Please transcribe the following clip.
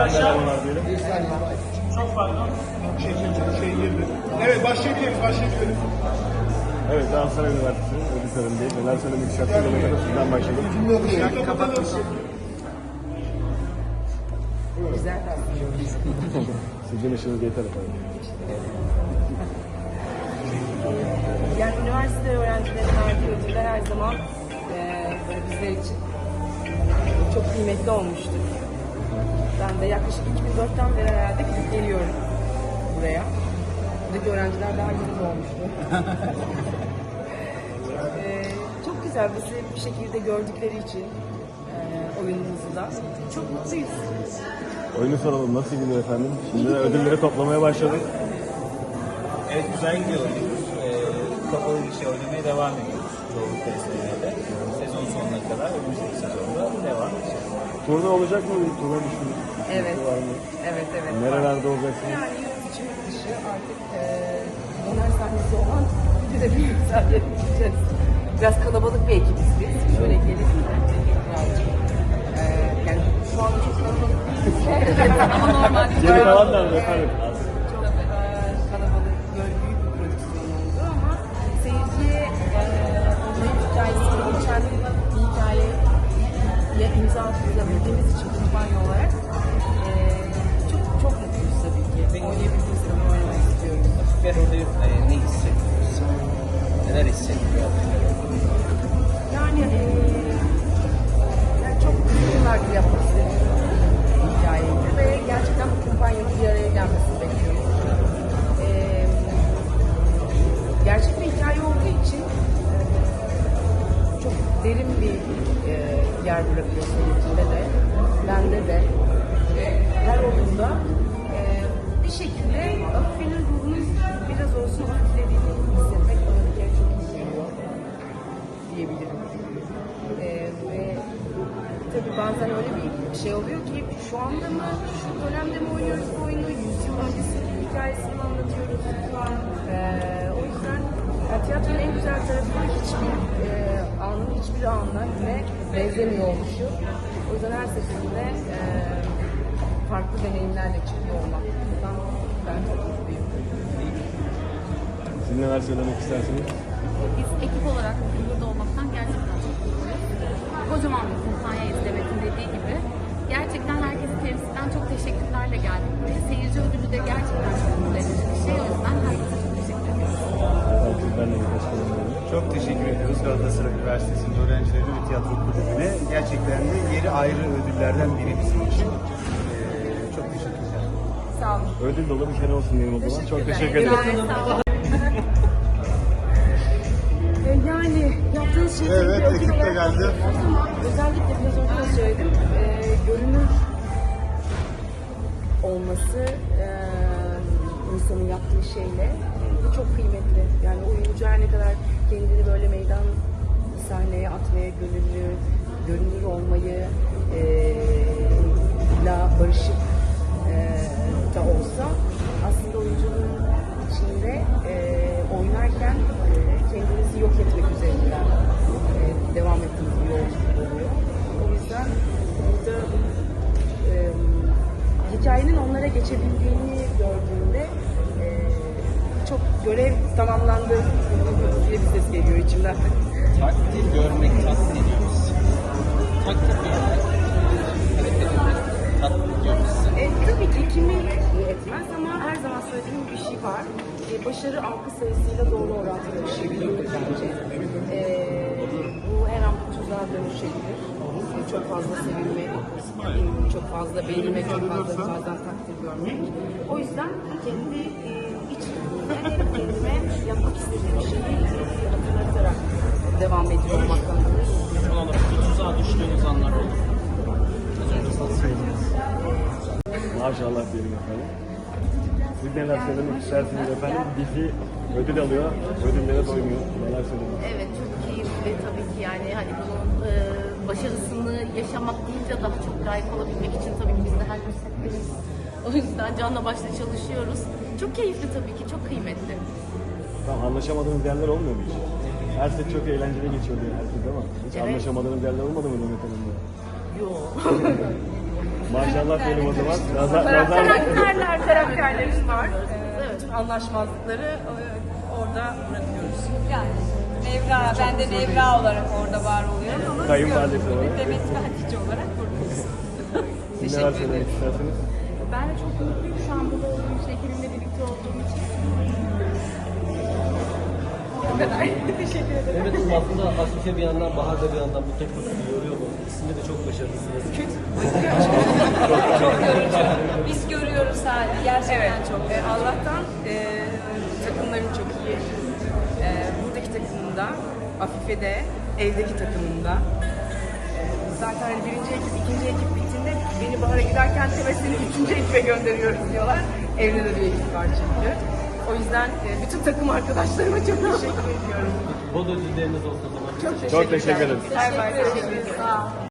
arkadaşlar. Çok pardon. Şey girdi. Evet başlayabiliriz. Evet, Galatasaray Üniversitesi ödül törenindeyiz. Neler söylemek istersiniz? Sizden başlayalım. Şarkı kapatalım. Güzel. Sizin işiniz yeter efendim. Yani üniversite öğrencilerine verdiği ödüller her zaman böyle bizler için çok kıymetli olmuştur. Ben de yaklaşık 2004'ten beri herhalde gidip geliyorum buraya. Buradaki öğrenciler daha yeni doğmuştu. Çok güzel bizi bir şekilde gördükleri için oyunumuzu da çok mutluyuz. Oyunu soralım. Nasıl gidiyor efendim? Şimdi ödülleri toplamaya başladık. Evet, güzel gidiyor. Kapalı bir şey oynamaya devam ediyoruz. Doğru testlerde. Sezon sonuna kadar önümüzdeki sezonda devam edeceğiz. Turne olacak mı? Turne düşündük. Evet. Var mı? Evet. Nerelerde olacaksınız? Yani yurt içi yurt dışı artık döner sahnesi olan bir de büyük sahneye gideceğiz. Biraz kalabalık bir ekibiz biz. Şöyle gelip birazcık. Yani şu an çok kalabalık değiliz. Ama normal. Geri kalan nerede efendim? Çok kalabalık, böyle büyük bir prodüksiyon oldu ama seyirciye onların hikayesini geçen bir hikayeye imza atabildiğimiz için kumpanya olarak çok mutluyuz tabii ki. Oynayabildiğimiz zaman oynamak istiyoruz. Ve orada ne hissediyoruz? Neler hissediyor? Yani çok uzun yıllardır yapmak istediğim bir hikayeydi ve gerçekten bu kumpanyanın bir araya gelmesini bekliyorum. Gerçek bir hikaye olduğu için çok derin bir yer bırakıyor seyircide de, bende de. Her oyunda bir şekilde Afife'nin ruhunun biraz olsun hafiflediğini hissetmek bana bir kere çok iyi geliyor diyebilirim. Ve tabii bazen öyle bir şey oluyor ki şu anda mı, şu dönemde mi oynuyoruz bu oyunu, 100 yıl öncesinin hikayesini anlatıyoruz. O yüzden tiyatronun en güzel tarafı hiçbir anla yine benzemiyor oluşu. O yüzden her seferinde farklı deneyimlerle çıkıyor olmak. Bundan ben çok mutluyum. Siz neler söylemek istersiniz? Biz ekip olarak burada olmaktan gerçekten çok mutluyuz. Kocaman bir kumpanyayız Demet'in dediği gibi. Gerçekten herkese temsilden çok teşekkürlerle geldik buraya. Seyirci ödülü de gerçekten çok mutlu edici bir şey. O yüzden herkese çok teşekkür ediyoruz. Ben de birkaç kelime alayım. Çok teşekkür ediyoruz Galatasaray Üniversitesi'nin öğrencileri ve tiyatro kulübüne. Gerçekten de yeri ayrı ödüllerden biri bizim için. Çok teşekkürler. Sağ olun. Ödül dolu bir sene olsun diyelim o zaman. Çok teşekkür ederim. Yani yaptığınız şey Evet, bir ödül ekip de olarak geldi. bakıyoruz ama özellikle biraz önce de söyledim, görünür olması insanın yaptığı şeyle bu çok kıymetli. Yani oyuncu her ne kadar kendini böyle meydan sahneye atmaya görünür olmayı la barışık da olsa aslında oyunculuğun içinde oynarken kendinizi yok etmek üzerinden devam ettiğiniz bir yolculuk oluyor. O yüzden burada hikayenin onlara geçebildiğini gördüğümde çok görev tamamlandı diye bir ses geliyor içimden. Takdir görmek tatmin ediyor bizi. Takdir görmek, hareket etmek tatmin ediyor bizi. Tabii ki kimi etmez ama her zaman söylediğim bir şey var. Başarı algı sayısıyla doğru orantılı bir şey değildir bence. Bu her an bir tuzağa dönüşebilir. Çok fazla sevilmek, çok fazla beğenilme, çok fazla bazen takdir görmek. O yüzden kendi içimde kendime yapmak istediğim şeyi hatırlatarak devam ediyor olmaktan dolayı. Son olarak bir tuzağa düştüğünüz anlar oldu. Az önce sana söylediniz. Maşallah diyelim efendim. Siz neler söylemek istersiniz efendim? Dizi ödül alıyor, ödüllere doymuyor. Neler söylemek? Evet, çok keyifli tabii ki yani hani bunun başarısını yaşamak değil de daha çok layık olabilmek için tabii ki biz de her gün setteyiz. O yüzden canla başla çalışıyoruz. Çok keyifli tabii ki, çok kıymetli. Tamam, anlaşamadığınız yerler olmuyor mu hiç? Her set çok eğlenceli geçiyor diye herkes ama hiç Evet. anlaşamadığınız yerler olmadı mı Demet Hanım'la? Yok. Maşallah diyelim o zaman. Nazar Karakterlerimiz var. Bütün anlaşmazlıkları orada bırakıyoruz. Yani Nevra, ben de Nevra olarak orada var oluyorum ama Kayınvalidesi olarak. Demet ve Hatice olarak buradayız. Siz neler söylemek istersiniz? Ben de çok mutluyum şu an burada olduğum için, ekibimle birlikte olduğum için. O kadar. Teşekkür ederim. Evet, aslında Afife bir yandan, Bahar da bir yandan bu tek kutuyu yoruyor mu? İkisinde de çok başarılısınız. Çok yorucu. Biz görüyoruz hali. Gerçekten çok. Allah'tan takımlarım çok iyi. Buradaki takımımda, Afife'de, evdeki takımımda. Zaten hani birinci ekip, ikinci ekip bittiğinde beni Bahar'a giderken seni üçüncü ekibe gönderiyoruz diyorlar. Evde de bir ekip var çünkü. O yüzden bütün takım arkadaşlarıma çok teşekkür ediyorum. Bol ödülleriniz olsun o zaman. Çok Çok teşekkür ederim. Bay bay. Teşekkür ederim.